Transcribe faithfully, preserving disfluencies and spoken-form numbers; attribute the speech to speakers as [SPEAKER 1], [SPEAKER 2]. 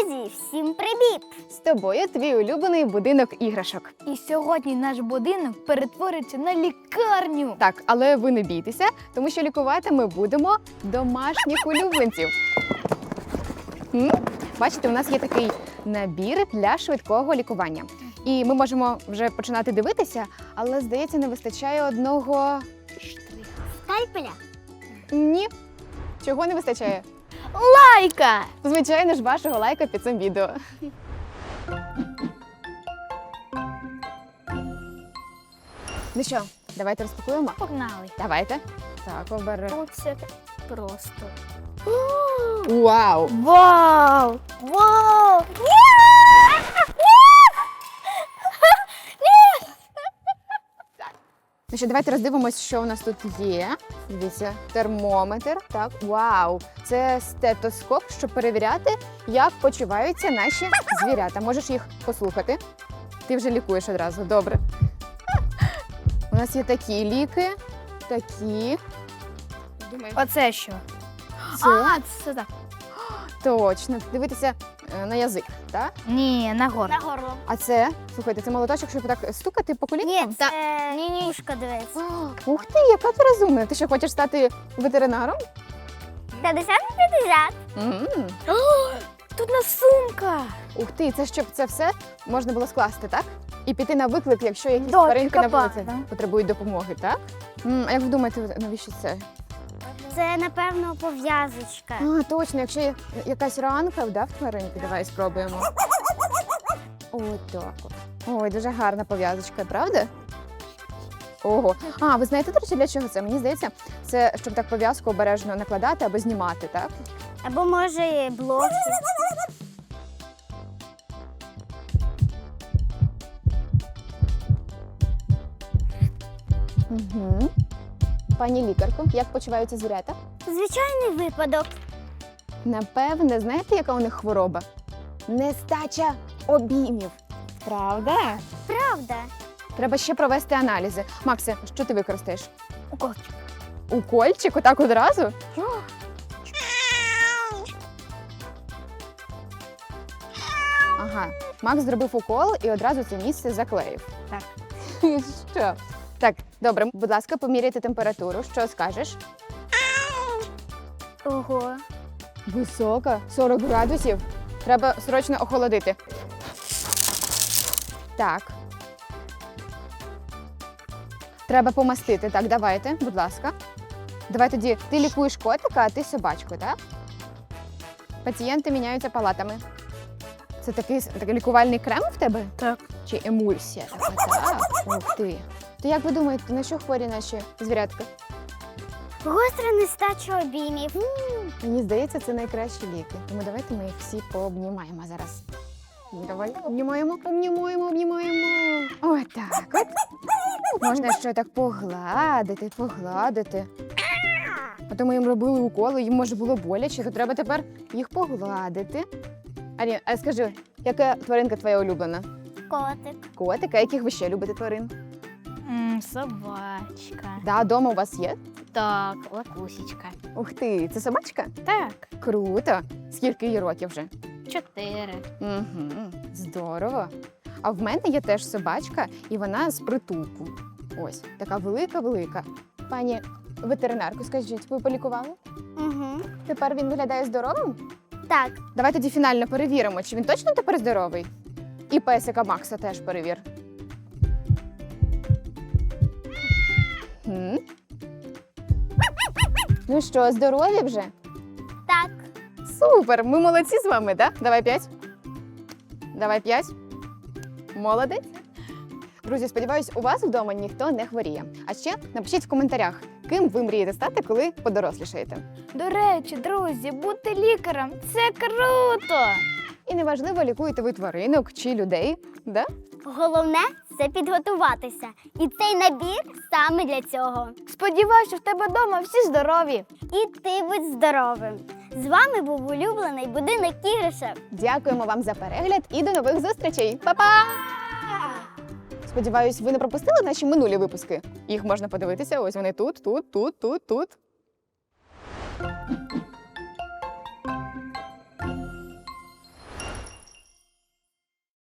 [SPEAKER 1] Друзі, всім привіт!
[SPEAKER 2] З тобою твій улюблений будинок іграшок.
[SPEAKER 3] І сьогодні наш будинок перетвориться на лікарню.
[SPEAKER 2] Так, але ви не бійтеся, тому що лікувати ми будемо домашніх улюбленців. М? Бачите, у нас є такий набір для швидкого лікування. І ми можемо вже починати дивитися, але, здається, не вистачає одного...
[SPEAKER 1] Скальпеля.
[SPEAKER 2] Ні. Чого не вистачає?
[SPEAKER 3] Лайка!
[SPEAKER 2] Звичайно ж, вашого лайка під цим відео. Ну що, давайте розпакуємо?
[SPEAKER 3] Погнали.
[SPEAKER 2] Давайте. Так, оберемо.
[SPEAKER 3] Оце просто.
[SPEAKER 2] Вау!
[SPEAKER 3] Вау! Вау!
[SPEAKER 2] Ну що, давайте роздивимось, що у нас тут є. Дивіться, термометр. Так, вау! Це стетоскоп, щоб перевіряти, як почуваються наші звірята. Можеш їх послухати? Ти вже лікуєш одразу, добре. У нас є такі ліки, такі.
[SPEAKER 3] Оце що?
[SPEAKER 2] Це
[SPEAKER 3] А, це так.
[SPEAKER 2] точно. Дивитися е, на язик, так?
[SPEAKER 3] Ні, на горло.
[SPEAKER 1] На горло.
[SPEAKER 2] А це, слухайте, це молоточок, щоб так стукати по колінкам?
[SPEAKER 1] Ні, це ні-ні. Ушка, дивись.
[SPEAKER 2] О, ух ти, яка ти розумна. Ти що, хочеш стати ветеринаром?
[SPEAKER 1] п'ятдесят на п'ятдесят.
[SPEAKER 2] М.
[SPEAKER 3] Тут на сумка.
[SPEAKER 2] Ух ти, це щоб це все можна було скласти, так? І піти на виклик, якщо якісь
[SPEAKER 3] Да,
[SPEAKER 2] тваринки на
[SPEAKER 3] копати,
[SPEAKER 2] вулиці
[SPEAKER 3] да.
[SPEAKER 2] потребують допомоги, так? М, а як ви думаєте, навіщо це?
[SPEAKER 1] Це, напевно, пов'язочка.
[SPEAKER 2] А, точно, якщо є якась ранка, да, в тваринки, давай спробуємо. Отак от. Ой, дуже гарна пов'язочка, правда? Ого. А, ви знаєте, до речі, для чого це? Мені здається, це щоб так пов'язку обережно накладати або знімати, так?
[SPEAKER 1] Або, може, блоки.
[SPEAKER 2] Угу. Пані лікарко, як почуваються звірята?
[SPEAKER 1] Звичайний випадок.
[SPEAKER 2] Напевне, знаєте, яка у них хвороба? Нестача обіймів. Правда?
[SPEAKER 1] Правда.
[SPEAKER 2] Треба ще провести аналізи. Максе, що ти використаєш?
[SPEAKER 3] Укольчик.
[SPEAKER 2] Укольчик? Отак одразу? Ага. Макс зробив укол і одразу це місце заклеїв.
[SPEAKER 3] Так.
[SPEAKER 2] Що? Так, добре, будь ласка, поміряйте температуру. Що скажеш?
[SPEAKER 1] Ого.
[SPEAKER 2] Висока, сорок градусів. Треба срочно охолодити. Так. Треба помастити. Так, давайте, будь ласка. Давай тоді, ти лікуєш котика, а ти собачку, так? Пацієнти міняються палатами. Це такий, такий лікувальний крем в тебе?
[SPEAKER 3] Так.
[SPEAKER 2] Чи емульсія така? Так. Ух ти. То як ви думаєте, на що хворі наші звірятка?
[SPEAKER 1] Гостра нестача обіймів.
[SPEAKER 2] Мені здається, це найкращі ліки. Тому давайте ми їх всі пообнімаємо зараз. Давай обнімаємо, обнімаємо, обнімаємо. Ось так от. Можна ще так погладити, погладити. А то ми їм робили уколи, їм може було боляче, то треба тепер їх погладити. Арі, а скажи, яка тваринка твоя улюблена?
[SPEAKER 1] Котик.
[SPEAKER 2] Котик, а яких ви ще любите тварин?
[SPEAKER 3] М, собачка.
[SPEAKER 2] Да, дома у вас є?
[SPEAKER 3] Так, лакусічка.
[SPEAKER 2] Ух ти, це собачка?
[SPEAKER 3] Так,
[SPEAKER 2] Круто. Скільки їй років вже?
[SPEAKER 3] чотири.
[SPEAKER 2] Угу, здорово. А в мене є теж собачка, і вона з притулку. Ось, така велика-велика. Пані ветеринарку, скажіть, ви полікували?
[SPEAKER 1] Угу.
[SPEAKER 2] Тепер він виглядає здоровим?
[SPEAKER 1] Так.
[SPEAKER 2] Давай тоді фінально перевіримо, чи він точно тепер здоровий. І песика Макса теж перевір. Хм. Ну що, здорові вже?
[SPEAKER 1] Так.
[SPEAKER 2] Супер! Ми молодці з вами, так? Да? Давай п'ять. Давай п'ять. Молодець. Друзі, сподіваюсь, у вас вдома ніхто не хворіє. А ще напишіть в коментарях, ким ви мрієте стати, коли подорослішаєте.
[SPEAKER 3] До речі, друзі, бути лікарем – це круто!
[SPEAKER 2] І неважливо, лікуєте ви тваринок чи людей, да?
[SPEAKER 1] Головне – це підготуватися. І цей набір саме для цього.
[SPEAKER 3] Сподіваюся, в тебе вдома всі здорові.
[SPEAKER 1] І ти будь здоровим. З вами був улюблений будинок іграшок.
[SPEAKER 2] Дякуємо вам за перегляд і до нових зустрічей. Па-па! Сподіваюсь, ви не пропустили наші минулі випуски. Їх можна подивитися, ось вони тут, тут, тут, тут, тут.